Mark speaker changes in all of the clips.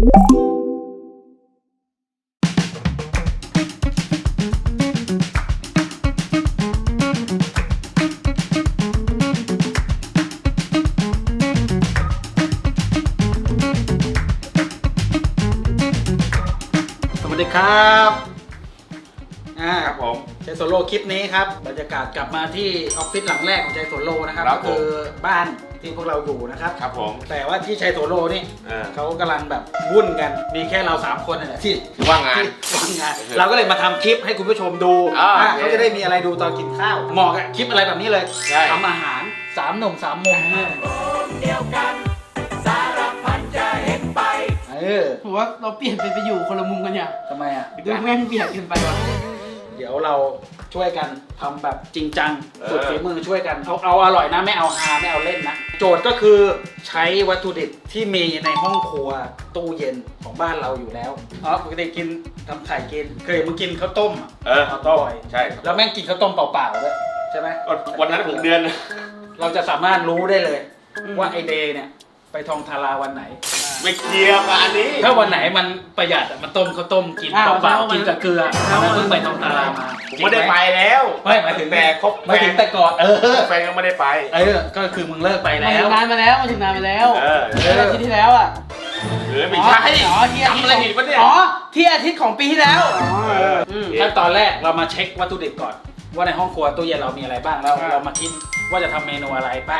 Speaker 1: สวัสดีครับ
Speaker 2: ครับผม
Speaker 1: ใจโซโล่คลิปนี้ครับบรรยากาศกลับมาที่ออฟฟิศหลังแรกของใจโซโล่นะครับก็คือบ้านที่พวกเราอยู่นะครับ
Speaker 2: ครับผม
Speaker 1: แต่ว่าที่ใจโซโล่นี่เขากำลังแบบวุ่นกันมีแค่เรา3คนนี่แหละที่
Speaker 2: ว่างงาน
Speaker 1: เราก็เลยมาทำคลิปให้คุณผู้ชมดูเขาจะได้มีอะไรดูตอนกินข้าวเหมาะกับคลิปอะไรแบบนี้เลยทำอาหาร3 หนุ่ม 3 มุมเดียวกันสารพันจะเห็นไป
Speaker 3: ผมว่าเราเปลี่ยนไปอยู่คนละมุมกันเนี่ย
Speaker 1: ทำไมอ่ะ
Speaker 3: ดูแม่งเบียดกันไปวะ
Speaker 1: เดี๋ยวเราช่วยกันทำแบบจริงจังสุดฝีมือช่วยกันเอาอร่อยนะไม่เอาฮาไม่เอาเล่นนะโจทย์ก็คือใช้วัตถุดิบที่มีในห้องครัวตู้เย็นของบ้านเราอยู่แล้วปกติกินทำไข่กินเคยมึงกินข้าวต้ม
Speaker 2: ข้าวต้มใช่
Speaker 1: แล้วแม่งกินข้าวต้มเปล่าๆด้วยใช่ไหม
Speaker 2: วันนั้นผมเดือน
Speaker 1: เราจะสามารถรู้ได้เลยว่าไอเดย์เนี่ยไปทองทาราวันไหน
Speaker 2: ไม่เกี่ยวกับอันนี้
Speaker 1: ถ้าวันไหนมันประหยัดมันต้มข้าวต้มกินเปล่าๆกินกับเกลือแล้วเพิ่งไปทองทารามา
Speaker 2: ผมไม่ได้ไปแล้ว
Speaker 1: ไม่หมายถึง
Speaker 2: แต่ครบ
Speaker 1: หมายถึงแต่ก่อน
Speaker 2: แฟนก็ไม่ได้ไป
Speaker 1: ก็คือมึงเลิกไปแล้ว
Speaker 3: นานมาแล้วมาถึงนานมาแล้วอาทิตย์ที่แล้วอ่ะ
Speaker 2: ไม่ใช่
Speaker 3: ทำอะไรผิดวะเนี่ยที่อาทิตย์ของปีที่แล้ว
Speaker 1: ขั้นตอนแรกเรามาเช็ควัตถุดิบก่อนว่าในห้องครัวตู้เย็นเรามีอะไรบ้างแล้วเรามาคิดว่าจะทำเมนูอะไรไป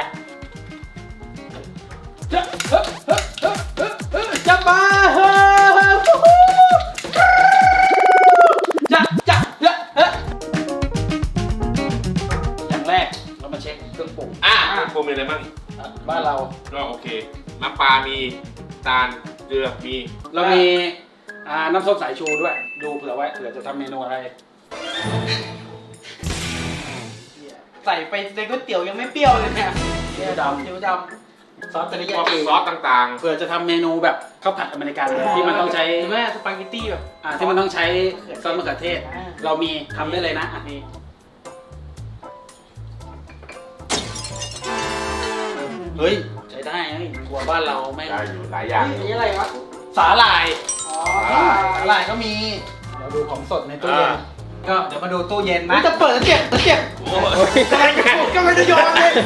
Speaker 1: จะมาอย่างแรกเรามาเช็คเครื่องปรุง
Speaker 2: เครื่องปรุงมีอะไรบ้าง
Speaker 1: บ้านเรา
Speaker 2: ก็โอเคน้ำปลามีตาลเกลือมี
Speaker 1: เรามีน้ำส้มสายชูด้วยดูเผื่อไว้เผื่อจะทำเมนูอะไร
Speaker 3: ใส่ไปในก๋วยเตี๋ยวยังไม่เปรี้ยวเลยเนี่ย
Speaker 1: เตี๋ยวดำซอสเทริยากิ
Speaker 2: ซอสต่างๆ
Speaker 1: เผื่อจะทำเมนูแบบข้าวผัดอเมริกันที่มันต้องใช้
Speaker 3: แม่สปาเกตตี้แบบ
Speaker 1: ที่มันต้องใช้ซอสมะเขือเทศเรามีทำได้เลยนะอันนี้เฮ้ยใช้ได้เฮ้ยครัวบ้านเราไม่
Speaker 2: ได้อยู่หลายอย่าง
Speaker 3: นี่อะไรวะ
Speaker 1: สาหร่ายสาหร่ายก็มีเราดูของสดในตู้เย็นก็เดี๋ยวมาดูตู้เย็นนะ
Speaker 3: จะเปิดแล้วเจ็บก็ไม่ได้โยนเลย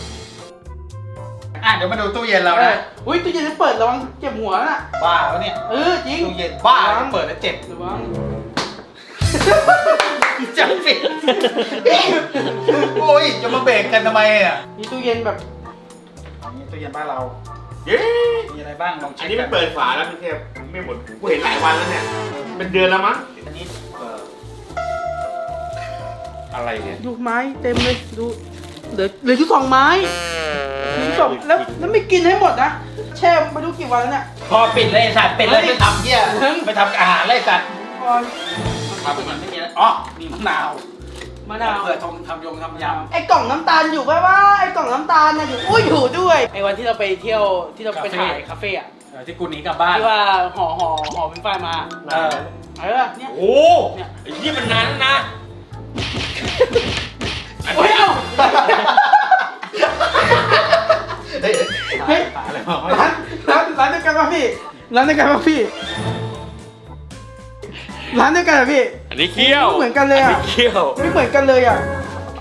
Speaker 1: เดี๋ยวมาดูตู้เย็นเรานะ
Speaker 3: อุ้ยตู้เย็นจะเปิดระวังเจ็บหัวน่ะ
Speaker 1: บ้าแล้วเนี่ย
Speaker 3: จริง
Speaker 1: ตู้เย็นบ้าเปิดแล้วเจ็บ
Speaker 3: ระวัง
Speaker 1: จะปิดโอ้ยจะมาเบรกกันทำไมอ่ะ
Speaker 3: นี่ตู้เย็นแบบ
Speaker 1: นี่ตู้เย็นบ้านเรามีอะไรบ้างลองเช็ค
Speaker 2: อันนี้มันเปิดฝาแล้วพี่เทพไม่หมดกูเห็นหลายวันแล้วเนี่ยเป็นเดือนแล้วมั้ง
Speaker 1: อันนี้
Speaker 2: อะไรเนี่ย
Speaker 3: ดูไม้เต็มเลยดูเหลือชุด2 ไม้แล้วไม่กินให้หมดนะแช่ไปดูกี่วันแล้วเนี่ย
Speaker 1: พอปิดเลยสัตว์ปิดเลยไปทำเหี้ยไปทำอาหารเลยสัตว์ทำมันไม่มีแล้วมีมะนาวเผื่อทำยำ
Speaker 3: ไอ้กล่องน้ำตาลอยู่ป่ะวะไอ้กล่องน้ำตาลน่ะอยู่อยู่ด้วยไอ้วันที่เราไปเที่ยวที่เราไปถ่ายคาเฟ่อะ
Speaker 1: ที่กูหนีกลับบ้าน
Speaker 3: ที่ว่าห่อเป็นไฟมา
Speaker 2: เนี่ยโอ้เนี่ยไอ้ยี่มันนานนะ
Speaker 3: เฮ้ยร้านเดียวกันป่ะพี่ร้านเดียวกันป่ะพี่
Speaker 2: อันนี้เคี้ยว
Speaker 3: เหมือนกันเลยอ่ะ
Speaker 2: เคี้ยว
Speaker 3: ไม่เหมือนกันเลยอ่ะ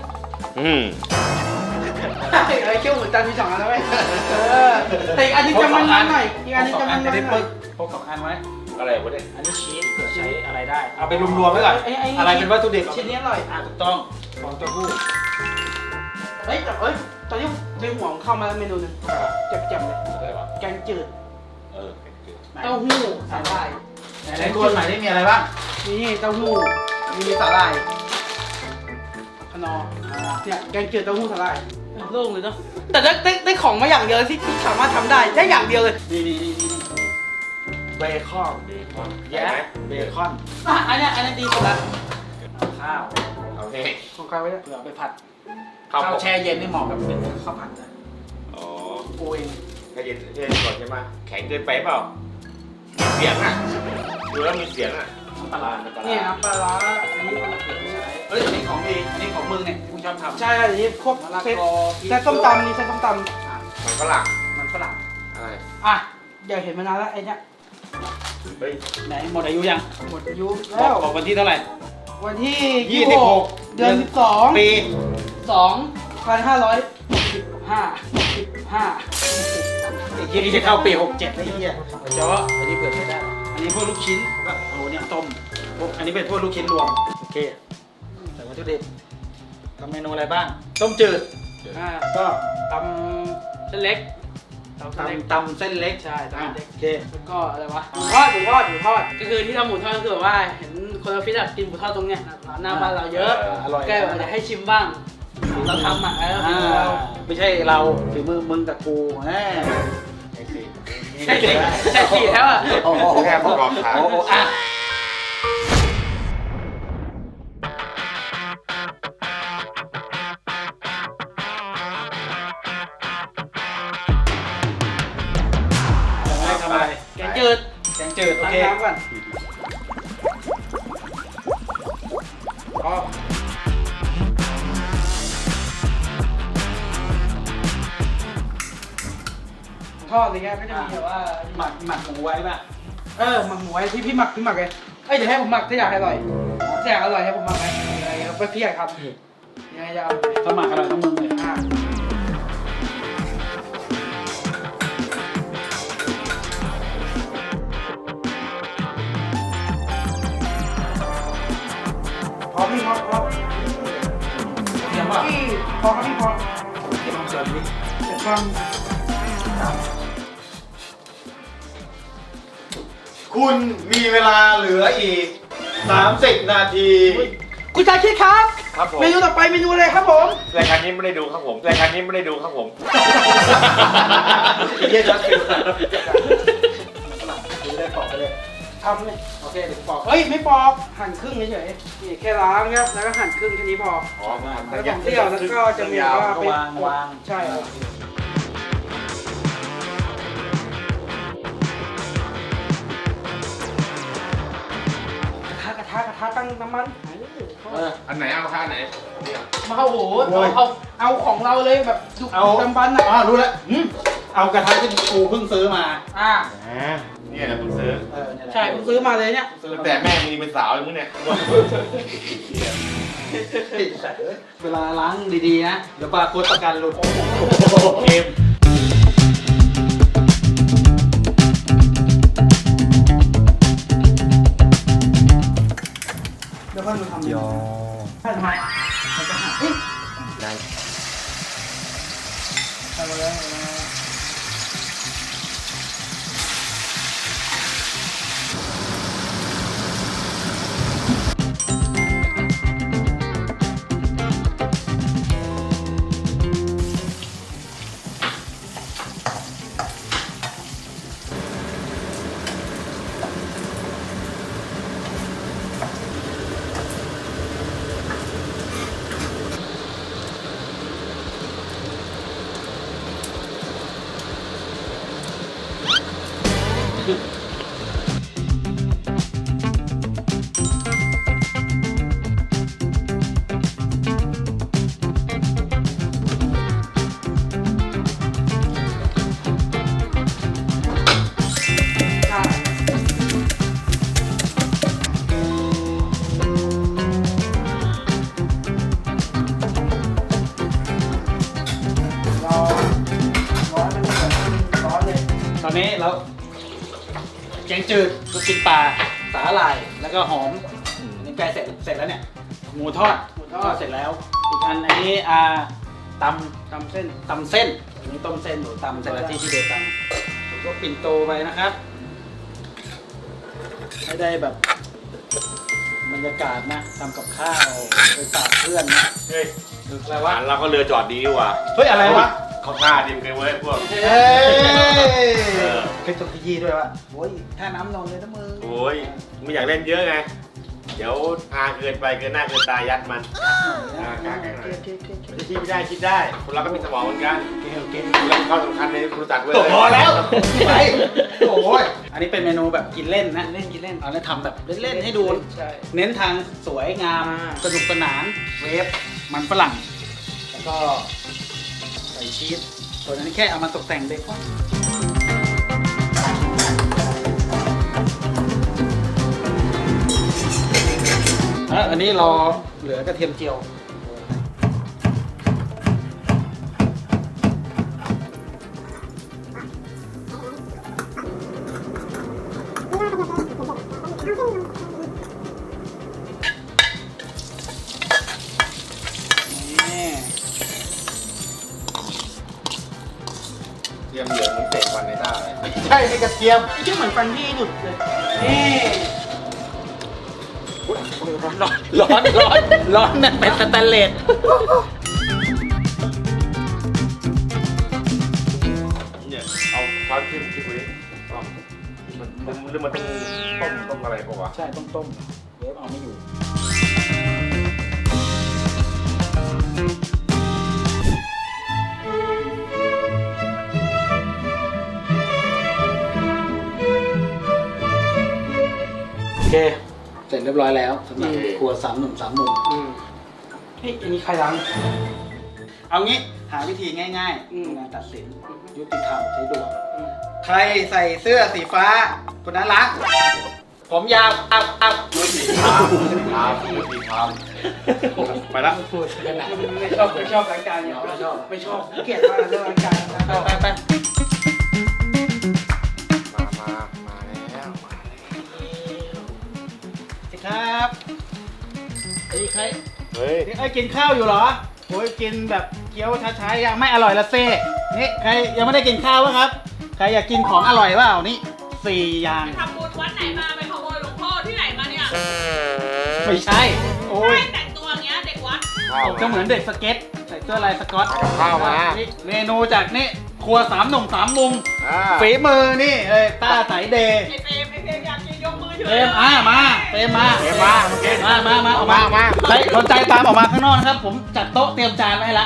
Speaker 1: ไอ้
Speaker 3: เคี้ยวเหมือนกันมี2 อันแล้วไหมแต่อีกอันนี้จะมันหน่อยอีกอันนี้จะมันหน่อย
Speaker 1: พก2 อันไว้
Speaker 2: อะไรวะเนี่ย
Speaker 1: อันนี้ชีสเผื่อใช้อะไรได้เอาไปรวมๆไว้ก่อนอะไรเป็นวัตถุดิบ
Speaker 3: ชิ้นนี้อร่อย
Speaker 1: ถูกต้องของเต้าหู้
Speaker 3: ตอนนี้ในหัวของเข้ามาแล้วเมนูนึงเจ็บๆเลยแกงจืดเต้าหู้สาหร่าย
Speaker 1: ในตัวใหม่ได้มีอะไรบ้าง
Speaker 3: นี่เต้าหู้มีสาหร่ายขนอเนี่ยแกงจืดเต้าหู้สาหร่ายโล่งเลยเนาะแต่ได้ของมาอย่างเดียวที่สามารถทำได้อย่างเดียวเลย
Speaker 1: นี่เบคอนแย่เบคอน
Speaker 3: อันนี้ดีสุดละ
Speaker 1: ข้าว
Speaker 2: โอเค
Speaker 3: ของใครไว้เนี่ย
Speaker 1: เผื่อไปผัดข้าวแช่เย็นนี่เหมาะกับเป็นข้าวผัดนะ
Speaker 3: กูเอง
Speaker 2: แช่เย็นก่อนใช่ไหมแข็งเกินไปเปล่ามีเสียงอ่ะดูแล้วมีเสียงอ่ะ
Speaker 3: ปลาเนี่ยปลาอันนี้
Speaker 1: นี่ของดีนี่ของมึงเนี่ยมึงชอบทำ
Speaker 3: ใช่อันนี้พวกเส้นส้มตำนี่เส้นส้มตำ
Speaker 2: มันฝรั่ง
Speaker 1: อะไร
Speaker 3: เดี๋ยวเห็นมานานแล้วไอ้เนี่ย
Speaker 2: เฮ้ย
Speaker 1: ไหนหมดอายุยัง
Speaker 3: หมดอายุ
Speaker 1: บ
Speaker 3: แล้
Speaker 1: อก
Speaker 3: ว
Speaker 1: บอกวันที่เท่าไหร่
Speaker 3: วันที่
Speaker 1: 26
Speaker 3: เดือน12
Speaker 1: ปี
Speaker 3: 2565
Speaker 1: ไอ้เหี้ยนี่จะเข้าปี 67ไอ้เหี้ยเจาะอันนี้เผื่อใช้ได้ อันนี้พวกลูกชิ้นก็โอ้เนี่ยต้มพวกอันนี้เป็นพวกลูกชิ้นรวม โอเคใส่วัตถุดิบทำเมนูอะไรบ้าง ต้มจืด
Speaker 3: ก็ตำเส้นเล็กตำเส้นเล็ก
Speaker 1: ตำเส้นเล็ก
Speaker 3: ใช่ตำเส้นเล็ก
Speaker 1: โอเค
Speaker 3: แล้วก็อะไรวะหมูทอดก็คือที่ทำหมูทอดก็คือแบบว่าเห็นคนออฟฟิศอะกินหมูทอดตรงเนี้ยร้านหน้าบ้านเราเยอะ
Speaker 1: อร่อย
Speaker 3: ก็เลยอยากให้ชิมบ้างเราทำอ่ะฝีมือเรา
Speaker 1: ไม่ใช่เราฝีมือมึงกับกูแหม
Speaker 3: ใช่สิใช่สิแล้วอ่ะ
Speaker 1: โอ้โห
Speaker 2: แค่ประกอบขา
Speaker 1: โอ้โหอ่ะทำอะไร
Speaker 3: แกงจืด
Speaker 1: แกงจืดโอ
Speaker 3: ล้าง
Speaker 1: เค
Speaker 3: น้ำก่อนอ๋อทอดอะไรเงี้ยก็จะมีแบบว่า
Speaker 1: หมักหมูไว้ป่ะ
Speaker 3: หมักหมูไว้ที่พี่หมักเลยเอ้ยเดี๋ยวให้ผมหมักถ้าอยากให้อร่อยถ้าอยากอร่อยให้ผมหมักไหมอะไรเงี้ยไปพี่อยากทำยังไงจะเอา
Speaker 1: ถ้าหมักอร่อยต้องมึงเลย
Speaker 3: พอพี่พอ
Speaker 1: เทียมป่ะ
Speaker 3: พี่พอครับพี่พอ
Speaker 1: เทียมเสริมดิ
Speaker 3: เดี๋ยวฟัง
Speaker 2: คุณมีเวลาเหลืออีก30 นาที
Speaker 3: คุณชายคิดครับ
Speaker 2: ครับผม
Speaker 3: เมนูต่อไปเมนูอะไรครับผม
Speaker 2: รายการนี้ไม่ได้ดูครับผมรายการนี้ไม่ได้ดูครับผม
Speaker 1: ไอ้เหี้ยจัดฟิลดูได้ปอกไปเลย
Speaker 3: ทำเลย
Speaker 1: โอเคเดี๋ยวปอก
Speaker 3: เฮ้ยไม่ปอกหั่นครึ่งเฉยๆนี่แค่ล้างครับแล้วก็หั่นครึ่งแค่นี้พอ
Speaker 2: อ๋อ
Speaker 3: แล้วของเปรี้ยวแล้วก็จะมีว่าเป็น
Speaker 1: วาง
Speaker 3: ใช่ครับกระทะตั้งน้ำมัน
Speaker 2: อันไหนเอาค่าไหน
Speaker 3: มาโอ้โหเอาของเราเลยแบบดุดำบัน
Speaker 1: อ๋อรู้แล้วเอากระทะที่กูเพิ่งซื้อมา
Speaker 2: เนี่ยนะผมซื้อ
Speaker 1: เนี่ยแหละ
Speaker 3: ใช่ผมซื้อมาเลยเนี่ย
Speaker 1: ซื้อ
Speaker 2: ตั้ง
Speaker 1: มา
Speaker 2: แต่แม่มึงเป็นสาวเลยมึงเนี่ย
Speaker 1: เวลาล้างดีๆนะ เดี๋ยวบาร์โค้ดประกันหลุดเกม
Speaker 3: แล้วก็มาทำยอทำไมมันจะหักเฮ้ย
Speaker 2: ได้
Speaker 3: ทำมาแล้ว
Speaker 1: ตอนนี้เราแกงจืดลูกชิ้นปลาสาหร่ายแล้วก็หอมอันนี้ใกล้เสร็จแล้วเนี่ยหมูทอดเสร็จแล้วอีกอันนี้ตำเส้นอันนี้ต้มเส้นหนูตำเสร็จแล้วที่เดียวกันผมก็ปิ่นโตไปนะครับให้ได้แบบบรรยากาศนะทำกับข้าวไปฝากเพื่อนนะ
Speaker 2: เฮ้ย
Speaker 1: อะไรวะ
Speaker 2: เราก็เรือจอดดีว่ะ
Speaker 1: เฮ้ยอะไรวะ
Speaker 2: เขาท่าดิมกันเว้ยพวก
Speaker 1: เฮ้ย
Speaker 2: เออ
Speaker 1: เคยจดขยี้ด้วยวะโอ้ยท่าน้ำนอนเลยนะมึง
Speaker 2: โอ้ยไม่อยากเล่นเยอะไง เดี๋ยวอาเกินไปเกินหน้าเกินตายัดมัน คิดไม่ได้คิดได้คนเราก็มีสมองเหมือนกัน
Speaker 1: โอเค
Speaker 2: แล้วข้อสำคัญในรู้จักเว้ย
Speaker 1: พอแล้วไปโอ้ยอันนี้เป็นเมนูแบบกินเล่นนะกินเล่นเอาแล้วทำแบบเล่นๆให้ดู
Speaker 3: ใช่
Speaker 1: เน้นทางสวยงาม สนุกสนานเวฟมันฝรั่ง แล้วก็ใส่ชีสส่วนอันนี้แค่เอามาตกแต่งเบคอนนนี้รอเหลือกระเทียมเจียวนี่
Speaker 2: เตรียมเหลืองมันเตะฟันในหน้าเลย
Speaker 1: ใช่ให้กระเทียม
Speaker 3: ไอ้เชี่ยเหมือนฟันพี่หลุดเลยนี่
Speaker 1: ร้อนนั่นเป็นสแตนเลส
Speaker 2: เนี่ยเอาความจิ้มที่กูดิเอามันหรือมันต้องต้มอะไรปะวะ
Speaker 1: ใช่ต้องต้มเวฟเอาไม่อยู่โอเค เสร็จเรียบร้อยแล้วสำหรับครัว3 หนุ่ม 3 มุม
Speaker 3: เฮ้ยอันนี้ใครล้าง
Speaker 1: เอางี้หาวิธีง่าย
Speaker 3: อืม
Speaker 1: ๆในการตัดสินยุติธรรมใช้ดวงใครใส่เสื้อสีฟ้าคนนั้นล้างผมยาวเอา
Speaker 2: ดูสีทามดูสีทามไปละ
Speaker 1: พูดกันนะ
Speaker 3: ไม่ชอบรายการเนี่ยไม่ชอบเกลียดมากเรื่องรายการนะ
Speaker 1: ไป
Speaker 2: มาแล้ว
Speaker 1: สิครับไอ้ใคร
Speaker 2: เฮ้ย
Speaker 1: ไอ้กินข้าวอยู่เหรอโอ้ยกินแบบเคี้ยวช้าๆยังไม่อร่อยละเซ่นี่ใครยังไม่ได้กินข้าวบ้างครับใครอยากกินของอร่อยเปล่านี่4 อย่าง
Speaker 4: ทำบุญวัดไหนมาไปขโมยหลวงพ่อที่ไหนมาเนี่ย
Speaker 1: ไม่ใช่ โอ้ย
Speaker 4: ไม่แต่งตัวอย่างเงี้ยเด็กวัด
Speaker 1: ก็เหมือนเด็กสเก็ตใส่เสื้อลายสก๊อต
Speaker 2: ข้าวมา
Speaker 1: นี่เมนูจากนี่ครัว3 หนุ่ม 3 มุม
Speaker 2: อ่า
Speaker 1: ฝีมือนี่เลยต้าสายเดย์
Speaker 4: ไอเฟรมอยากกินยกมือถือ
Speaker 1: เฟรมมาเฟรมมา
Speaker 2: เฟรมมาโอเค
Speaker 1: มาออกมาใครสนใจตามออกมาข้างนอกนะครับ ผมจัดโต๊ะเตรียมจานไว้ให้ละ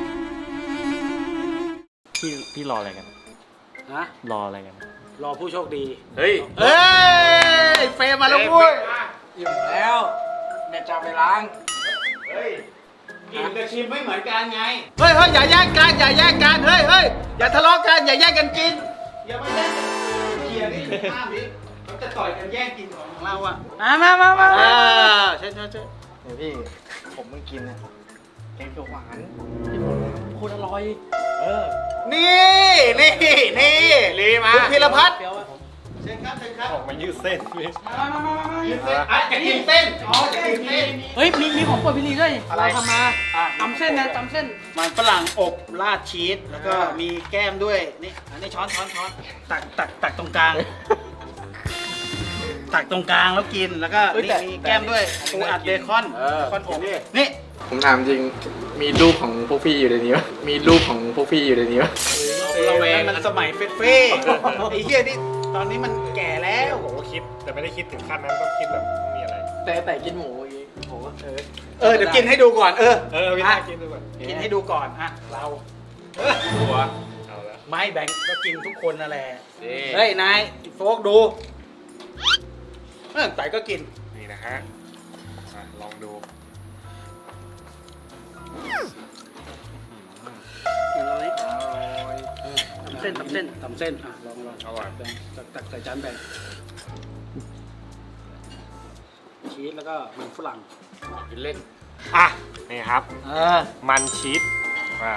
Speaker 5: พี่รออะไรกัน
Speaker 1: ฮะ
Speaker 5: รออะไรกัน
Speaker 1: รอผู้โชคดี
Speaker 2: เฮ้ย
Speaker 1: เอ้ยเฟรมมาแล้วพุ้ย
Speaker 3: อิ่มแล้วแม่จะไปล้าง
Speaker 2: เฮ้ย
Speaker 1: กินกับชิมไม่เหมือนกันไงเฮ้ยอย่าแย่งกันเฮ้ยอย่าทะเลาะกันอย่าแย่งกันกินอย่ามาแย่งกันเคลียร์นี่ห้ามดิเขาจะต่อยกันแย่งกินของเราอ่ะ
Speaker 3: มา
Speaker 1: ใช่
Speaker 3: เดี๋ยวพี่ผมเพิ่งกินนะแกงเขียวหวานโคตรอร่อย
Speaker 1: นี่ลีมาคุณพีรพัฒน์
Speaker 3: เปรี้ยวอะ
Speaker 1: เชิญครับ
Speaker 2: ออกมายืดเส้นพี่
Speaker 3: มา
Speaker 1: ยืนเส้นอ่ะจะกินเส้นอ๋อจะกินเส้น
Speaker 3: เฮ้ยมีของโปรดพี่ลีด้วย
Speaker 1: อะไร
Speaker 3: เราทำมา
Speaker 1: อ่ะ
Speaker 3: ตำเส้นนะตำเส้น
Speaker 1: มันฝรั่งอบราดชีสแล้วก็มีแก้มด้วยนี่อันนี้ช้อนตักตรงกลาง ตักตรงกลางแล้วกินแล้วก็
Speaker 3: เฮ้ย
Speaker 1: นี่
Speaker 3: แต่
Speaker 1: มีแก้มด้วยปูอัดเบคอนอบนี่
Speaker 6: ผมถามจริง มีรูปของพวกพี่อยู่ในนี้ปะมีรูปของพวกพี่อยู่ในนี้ปะ
Speaker 1: ระแวงมันสมัยเฟ่ไอ้เหี้ยนี่ตอนนี้มันแก่แล้ว
Speaker 2: ผมก็คิดแต่ไม่ได้คิดถึงขั้นนั้นต้องคิดแบบมีอะไร
Speaker 6: แต่กินหมูอย่างงี้โห
Speaker 1: เดี๋ยวกินให้ดูก่อน
Speaker 2: พี่น่ากินด้วย
Speaker 1: กินให้ดูก่อนอ่ะเราเออ
Speaker 2: หัวเอาละ
Speaker 1: ไม่แบ่งก็กินทุกคนนั่นแหละ
Speaker 2: นี่
Speaker 1: เฮ้ยนายโฟกดูไต่ก็กิน
Speaker 2: นี่นะฮะลองดู
Speaker 3: ตำเส้นอ่ะลอง
Speaker 2: อร่อย
Speaker 1: แบ่งตักใส่จานแบ่งชีสแล้วก็มันฝรั่ง
Speaker 2: กินเล่น
Speaker 5: อ่ะ นี่ครับ
Speaker 2: มันชีส
Speaker 5: อ่า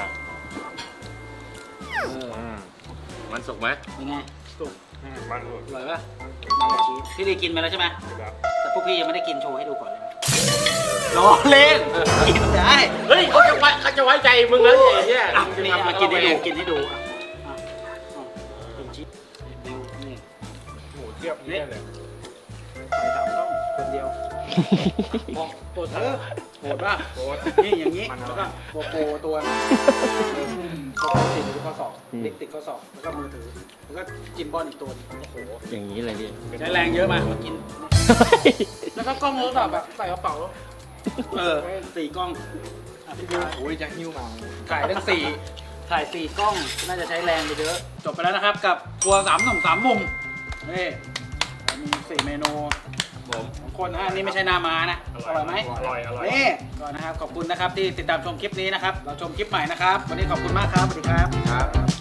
Speaker 2: มันสุกไหม
Speaker 1: ยังไงสุก
Speaker 2: มันสุก
Speaker 1: อร่อยป่ะมันชีสพี่ได้กินไปแล้วใช่ไหม
Speaker 2: ครับ
Speaker 1: แต่พวกพี่ยังไม่ได้กินโชว์ให้ดูก่อนเลยล้อเล่นกินได้
Speaker 2: เฮ้ยเขาจะไว้ใจมึงแล้วไอ้เหี้ย
Speaker 1: อ่ะนี่อ่ะกินให้ดูกินให้ดูอ่ะอ่ะกินชีสนี่
Speaker 2: หมูเทียบนี่เลย
Speaker 1: ใส่3 ต้องคนเดียวโปรดโหดป่ะ
Speaker 2: โคตร
Speaker 1: นี่อย่างนี้แล้วก็โปโปตัวนะโปโปติดอยู่ที่ข้อศอกเด็กติดข้อศอกแล้วก็มือถือแล้วก็จิมบอลอีกตัวนึงโอ้โห
Speaker 5: อย่างนี้เลยดิ
Speaker 1: ใช้แรงเยอะมากิน
Speaker 3: แล้วก็กล้องโทรศัพท์แบบใส่กระเป๋า
Speaker 1: 4 กล้องอ่ะพี่บิว
Speaker 6: โอ้ยจะหิ้วมา
Speaker 1: ถ่ายทั้งถ่าย 4 กล้องน่าจะใช้แรงไปเยอะจบไปแล้วนะครับกับครัว3 หนุ่ม 3 มุมนี่มี4 เมนู
Speaker 2: ผม
Speaker 1: ของคนนะอันนี้ไม่ใช่หน้าม้านะอร่อยไหม
Speaker 2: อร่อย
Speaker 1: นี่ก่อนนะครับขอบคุณนะครับที่ติดตามชมคลิปนี้นะครับ เราชมคลิปใหม่นะครับ วันนี้ขอบคุณมากครับ สวัสดีครับ
Speaker 6: ครับ